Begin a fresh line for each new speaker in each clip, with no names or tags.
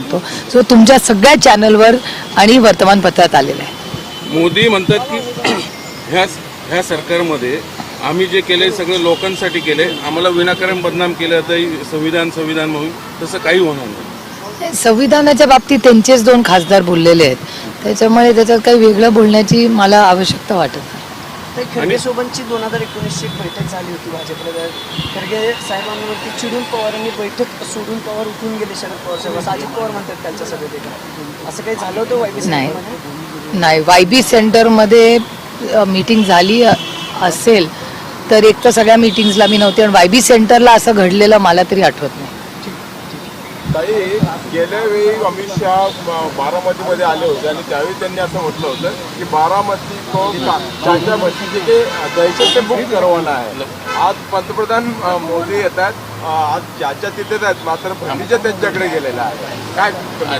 शकतो. सो तुमच्या सगळ्या चॅनलवर आणि वर्तमानपत्रात आलेला आहे.
मोदी म्हणतात की ह्या सरकारमध्ये आम्ही जे केले सगळं लोकांसाठी केले, आम्हाला विनाकारण बदनाम केलं तर संविधान म्हणून तसं काही होणार नाही.
संविधानाच्या बाबतीत त्यांचेच 2 खासदार बोललेले आहेत, त्याच्यामुळे त्याच्यात काही वेगळं बोलण्याची मला आवश्यकता वाटत नाही.
खरगे सोबतची 2019ची बैठक झाली होती भाजपला. खरगे साहेबांवरती चिडून पवारांनी बैठक सोडून पवार उठून गेले शरद पवार साहेब, असं अजित पवार म्हणतात त्यांच्या सभेत. असं काही झालं होतं वायबी सेंटरमध्ये?
नाही, वायबी सेंटरमध्ये मीटिंग झाली असेल तर एक तर सगळ्या मीटिंग्सला मी नव्हते, आणि वायबी सेंटरला असं घडलेलं मला तरी आठवत नाही.
ताई, गेल्या वेळी अमित शहा बारामतीमध्ये आले होते आणि त्यावेळी त्यांनी असं म्हटलं होतं की बारामती को चाचा बस्ती के दहशत से मुक्त करवाना आहे. आज पंतप्रधान मोदी येतात, आज चाचा तिथेच आहेत, मात्र भतीजा त्यांच्याकडे गेलेला आहे. काय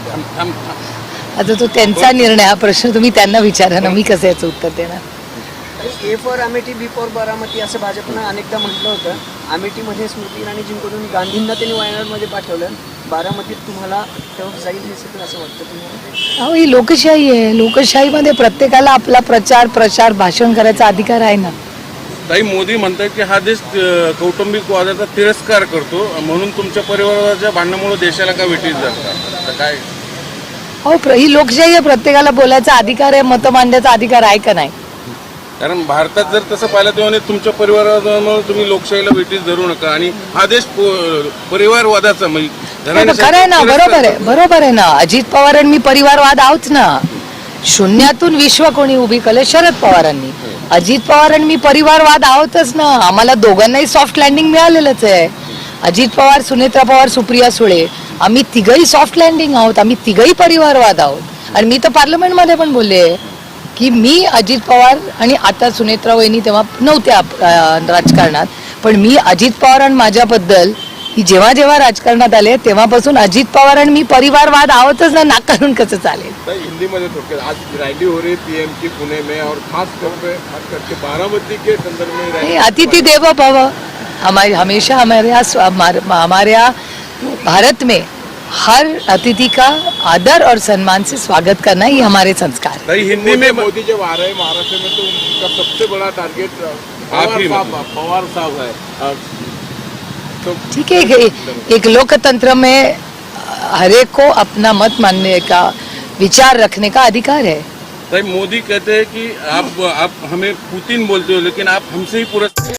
आता तो त्यांचा निर्णय, हा प्रश्न तुम्ही त्यांना विचारा ना, मी कसं याचं उत्तर देणार.
A for Amethi, B for Baramati असं भाजपनं अनेकदा म्हटलं होतं. अमेठीमध्ये स्मृती इराणी जिंकून गांधींना त्यांनी वायनाडमध्ये पाठवलं, बारामतीत तुम्हाला तेव्हा जाईल हे सगळं असं वाटतं तुम्हाला?
अहो, ही लोकशाही आहे. लोकशाहीमध्ये प्रत्येकाला आपला प्रचार भाषण करायचा अधिकार आहे ना.
ताई, मोदी म्हणतात की हा देश कौटुंबिक वादाचा तिरस्कार करतो, म्हणून तुमच्या परिवाराच्या भांडणामुळे देशाला का वेठीस जातात, काय?
हो, ही लोकशाही आहे. प्रत्येकाला बोलायचा अधिकार आहे, मतं मांडण्याचा अधिकार आहे का नाही?
कारण भारतात जर तसं पाहिलं तेव्हा तुमच्या परिवारामुळे तुम्ही लोकशाहीला वेठीस धरू नका, आणि हा देश परिवारवादाचा
खरं आहे ना, बरोबर आहे ना. अजित पवार आणि मी परिवारवाद आहोत ना. शून्यातून विश्व कोणी उभी केलं? शरद पवारांनी. अजित पवार आणि मी परिवारवाद आहोतच ना. आम्हाला दोघांनाही सॉफ्ट लँडिंग मिळालेलंच आहे. अजित पवार, सुनेत्रा पवार, सुप्रिया सुळे, आम्ही तिघही सॉफ्ट लँडिंग आहोत. आम्ही तिघही परिवारवाद आहोत. आणि मी तर पार्लमेंटमध्ये पण बोलले की मी अजित पवार, आणि आता सुनेत्रा वहिनी तेव्हा नव्हत्या राजकारणात, पण मी अजित पवार आणि माझ्याबद्दल की जेव्हा राजकारणात आले तेव्हापासून अजित पवार आणि मी परिवारवाद आहोतच ना. नाकारून कसं चालेल?
हिंदी मध्ये थोडक्यात, आज रैली हो रही पीएम की पुणे में, और खास करके बारामती के संदर्भ में रैली.
अतिथि देवो भव. हमेशा हमारे यहाँ भारत में हर अतिथि का आदर और सम्मान से स्वागत करना ही हमारे संस्कार है.
ताई, हिंदी में
मोदी जब आ रहे हैं महाराष्ट्र में तो उनका सबसे बड़ा टारगेट पवार साहब है. तो
ठीक है, एक लोकतंत्र में हर एक को अपना मत मानने का, विचार रखने का अधिकार है.
ताई, मोदी कहते हैं कि आप हमें पुतिन बोलते हो, लेकिन आप हमसे ही पूरा